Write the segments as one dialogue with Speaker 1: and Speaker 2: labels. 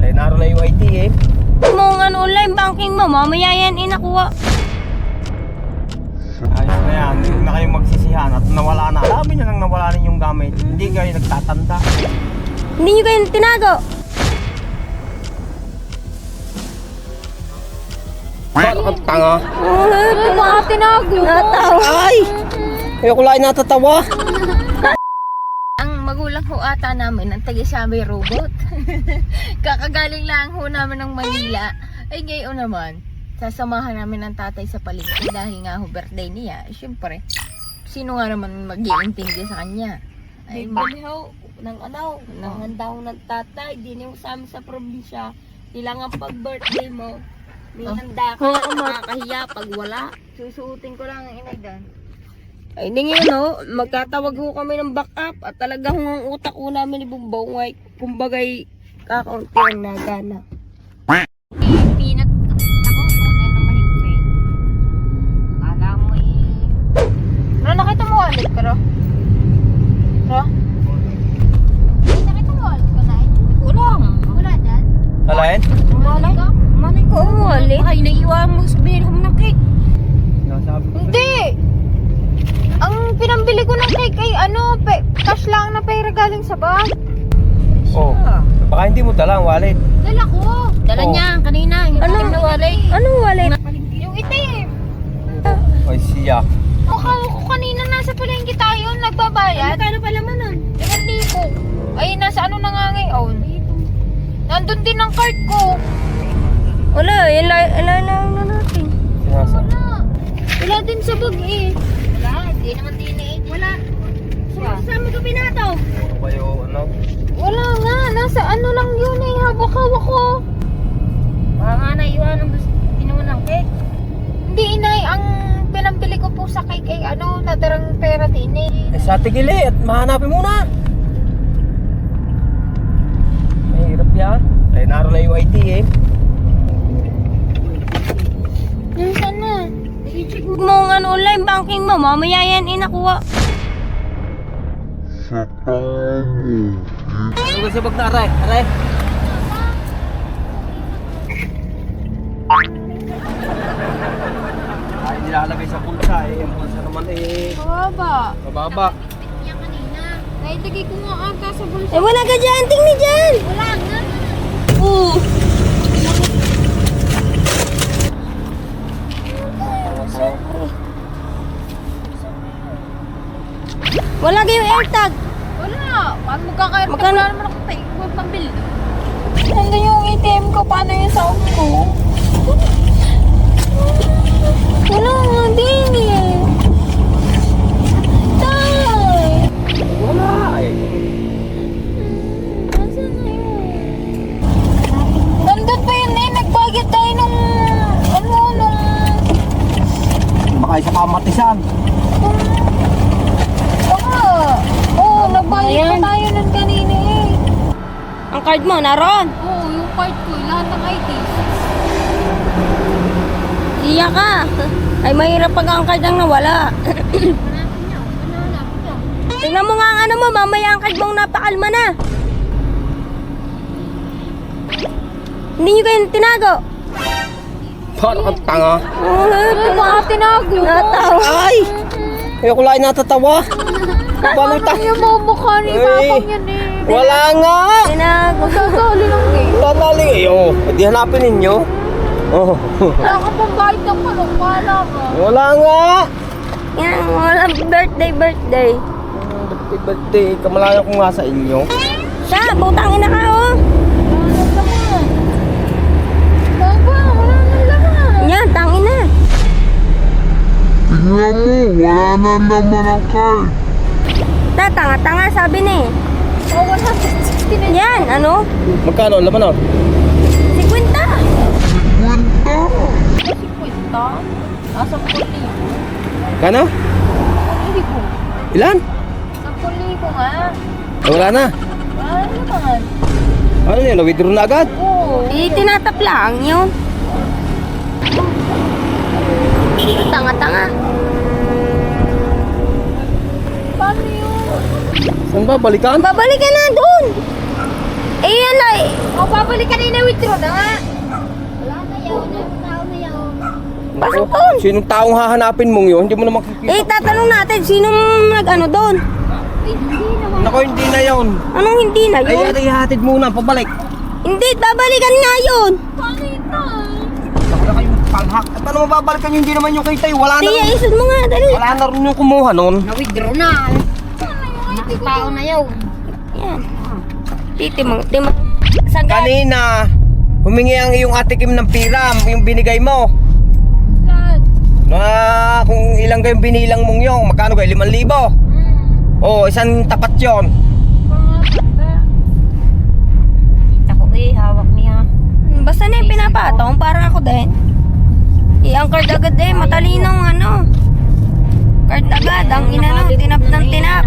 Speaker 1: Ay, naroon na yung IT eh.
Speaker 2: Mo nga online banking mo, mamaya yan inakuha.
Speaker 1: Ayos na yan, huwag na kayong magsisihan at nawala na. Dami nyo nang nawala rin yung gamit. Hindi kayo nagtatanda.
Speaker 2: Hindi nyo kayo tinago.
Speaker 1: Ba't ka tanga?
Speaker 2: Ito mga tinago. Natawa.
Speaker 1: Ay! Ayoko lang natatawa.
Speaker 2: Ang magulang ho ata namin, ang taga-Siamay robot. Kakagaling lang ho namin ng Manila. Ay ngayon naman, sasamahan namin ng tatay sa palengke dahil nga ho birthday niya. Siyempre, sino nga naman mag-iintindi sa kanya? Ay,
Speaker 3: Bigyan ng ng handa ko ng tatay, di niyo sa amin sa probinsya. Kailangan pag birthday mo, may handa ka, makakahiya pag wala.
Speaker 2: susuotin ko lang ang inay doon. Ay, hindi ngayon ho, magtatawag ho kami ng backup at talaga ho ang utak ho namin ni Bumbong ay kumbagay kakaunti ang nagana.
Speaker 3: Pinat ako, tunay na mahigpit. Kala mo
Speaker 2: Pero nakita mo ulit, pero?
Speaker 3: Ay, nakita mo ulit ka na eh. Wala dyan?
Speaker 1: Alain?
Speaker 2: Manay ko ulit.
Speaker 3: Ay, naiiwan mo sabihin mo ng cake.
Speaker 1: Nasabi ko.
Speaker 2: Hindi! Ang pinambili ko ng cake ay cash lang na pera galing sa bag.
Speaker 1: Oh, baka hindi mo dala ang wallet.
Speaker 3: Dala ko. Dala
Speaker 1: Oh.
Speaker 3: niya kanina. Yung itim na wallet.
Speaker 2: Anong wallet?
Speaker 3: Yung itim.
Speaker 1: Ay, siya.
Speaker 2: Mukha ko kanina nasa palengke tayo, nagbabayad.
Speaker 3: Kano pala mo nun?
Speaker 2: 1,000. Ay, nasa ano na nga ngayon? Nandun din ang card ko. Wala, ilan na natin.
Speaker 1: Sinasa.
Speaker 2: Wala din sa bag eh.
Speaker 3: Wala, hindi naman din eh. Wala. Sumasama ka pinato.
Speaker 1: Ano kayo, ano?
Speaker 2: Wala nga, nasa ano lang yun eh, hawak-hawak ko.
Speaker 3: Baka nga naiiwan ng pinuha ng cake.
Speaker 2: Hindi inay, ang pinambili ko po sa cake ay natirang pera din eh.
Speaker 1: Eh, sa tigili at mahanapin muna. Mahirap yan. Ay, naroon na yung IT eh.
Speaker 2: Nasaan na? I-check mo ang online banking mo, mamaya yan inakuha.
Speaker 1: Ano ba siya bagta, aray? Aray? Ay, nilalagay sa bulsa eh. Yung bulsa naman eh.
Speaker 2: Mababa.
Speaker 1: Mababa.
Speaker 3: Niya kanina.
Speaker 2: Nailagay ko nga ata sa bulsa. Eh wala ka dyan, tingnan dyan!
Speaker 3: Wala nga.
Speaker 2: Oo. Wala kayong AirTag.
Speaker 3: Wala. Paano magkakaroon?
Speaker 2: Magkano?
Speaker 3: Wala naman ako tayo. Huwag pambili.
Speaker 2: Nandun yung ATM ko, paano yung sound ko? Wala nga din eh. Tay!
Speaker 1: Wala eh.
Speaker 2: Nasaan na yun? Nandun pa yun eh, nagbayad tayo nung
Speaker 1: Baka isa kamatisan.
Speaker 2: Oo, nagbayad pa tayo nun kanina eh. Ang card mo, naroon?
Speaker 3: Oo, yung card ko. Lahat ng IDs.
Speaker 2: Iya ka. Ay, mahirap pag ang card ang nawala.
Speaker 3: Hanapin niyo. Hanapin niyo.
Speaker 2: Tingnan mo nga ang ano mo, mamaya ang card mong napakalma na. Hindi nyo kayo tinago.
Speaker 1: Ba't ka tanga?
Speaker 2: Ito mga tinago. Natawa.
Speaker 1: Ay! Ayoko lang natatawa. Paano ta?
Speaker 2: Yung mga mukha ni Papang yan eh.
Speaker 1: Wala nga!
Speaker 2: Tinago. Sasali lang eh.
Speaker 1: Tatali eh. Oh, di hanapin ninyo. Oh.
Speaker 2: Wala ka pang bayad ng palong. Wala ka.
Speaker 1: Wala nga!
Speaker 2: Yan, wala birthday.
Speaker 1: Birthday, kamalayo ko nga sa inyo.
Speaker 2: Siya, butang ina ka oh. Baba, wala nang laman. Yan, tangin na.
Speaker 4: Tingnan mo, wala na naman ang card.
Speaker 2: Tanga-tanga sabi ni.
Speaker 3: Oh, 160 na.
Speaker 2: Yan, ano?
Speaker 1: Magkano? Laman oh?
Speaker 2: 50.
Speaker 4: Kwenta.
Speaker 3: 50. Nasa 40.
Speaker 1: Kano?
Speaker 3: Hindi ko.
Speaker 1: Ilan?
Speaker 3: 10,000 nga.
Speaker 1: Eh, wala na.
Speaker 3: Wala naman.
Speaker 1: Ano yun? Na-withdraw na agad?
Speaker 3: Oo.
Speaker 2: Tinatap lang yun. Tanga-tanga.
Speaker 3: Paano yun?
Speaker 1: Saan ba? Balikan?
Speaker 2: Babalik ka na doon. Eh yan ay.
Speaker 3: O, babalik ka na
Speaker 1: Sinong taong hahanapin mong yun? Hindi mo na makikita.
Speaker 3: Eh, tatanong natin, sinong nag-ano doon?
Speaker 1: Nako, hindi na yun.
Speaker 3: Anong hindi na
Speaker 1: Ay,
Speaker 3: yun?
Speaker 1: ihatid muna, pabalik.
Speaker 3: Hindi, babalikan nga yun.
Speaker 1: Wala kayong palhak. At paano mababalikan yun? Hindi naman yung kita eh. Wala na
Speaker 3: Tiya,
Speaker 1: rin.
Speaker 3: isod mo nga, dali.
Speaker 1: Wala na rin yung kumuha nun.
Speaker 3: Na-withdraw na. Nakatao na yun. Yan. Titimang. Saan ka?
Speaker 1: Kanina, humingi ang iyong ate Kim ng pira, yung binigay mo. Na kung ilang kayong binilang mong yung, magkano kayo? 5,000? Oo, isang tapat yon.
Speaker 3: Kita ko hawak niya. Basta na yung pinapatong, parang ako din. Ang card agad eh, matalinong ano. Card agad, ang inano, tinap ng tinap.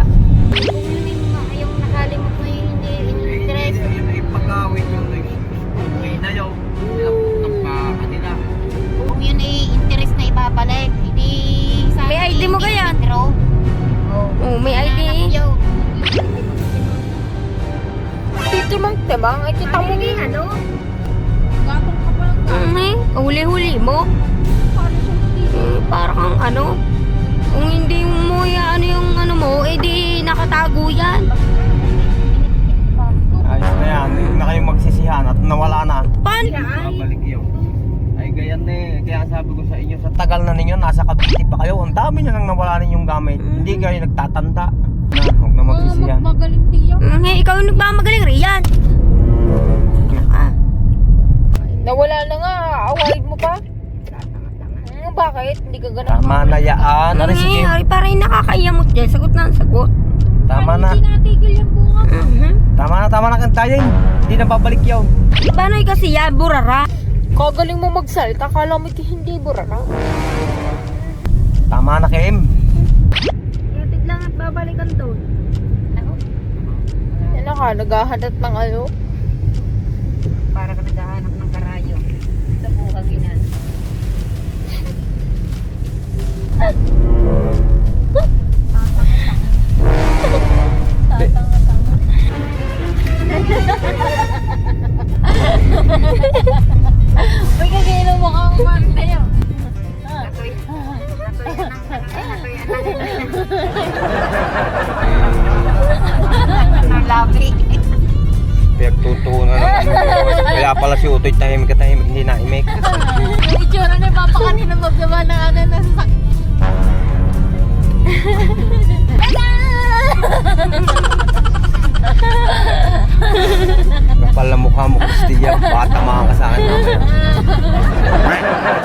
Speaker 2: Yung nakalimot na yung hindi interest.
Speaker 1: Yun ay pagkawin yung na yun. Ng kanila.
Speaker 2: Kung yun ay interest na ibabalik, hindi sa
Speaker 3: May ID mo kaya? Oh, may ID.
Speaker 2: Dito mang tebang, ay kita mo ni ano?
Speaker 3: Huli-huli mo. Parang ang ano. Kung hindi mo ano yung ano mo, di nakatago yan.
Speaker 1: Ayos na yan. Huwag na kayong magsisihan at nawala na.
Speaker 3: Paano?
Speaker 1: Babalik yun. Ay ganyan eh. Kaya sabi ko sa inyo, sa tagal na ninyo, nasa Cavite pa kayo. Ang dami nyo nang nawala ninyong gamit. Hindi kayo nagtatanda. Na, huwag na magsisihan.
Speaker 3: Ikaw yung nagmamagaling, Rian.
Speaker 2: Nawala na nga, awaid mo pa? Bakit? Hindi ka ganun.
Speaker 1: Tama na yaan. Ano sige?
Speaker 3: Ay, parang nakakaiyamot dyan. Sagot na ang sagot.
Speaker 1: Tama na.
Speaker 2: Natigil yung bunga.
Speaker 1: Tama na kantayin. Hindi na babalik yun.
Speaker 3: Paano kasi yan, burara?
Speaker 2: Kagaling mo magsalita, kala mo hindi burara.
Speaker 1: Tama na, Kim.
Speaker 3: Yatig lang at babalikan doon.
Speaker 2: Yan na ka, naghahanap ng ano.
Speaker 3: Para ka naghahanap ng karayo. Sa buhang inan.
Speaker 2: Uy, kagailan mo kang umarte yun.
Speaker 3: Labi.
Speaker 1: Pinagtutunan naman. Kaya pala si Utoy tahimik hindi naimik.
Speaker 2: Yung itsura na papakanina magdaba ng ano na sakit.
Speaker 1: Kapal na mukha mo, Kristiya. Bata mga kasaan namin.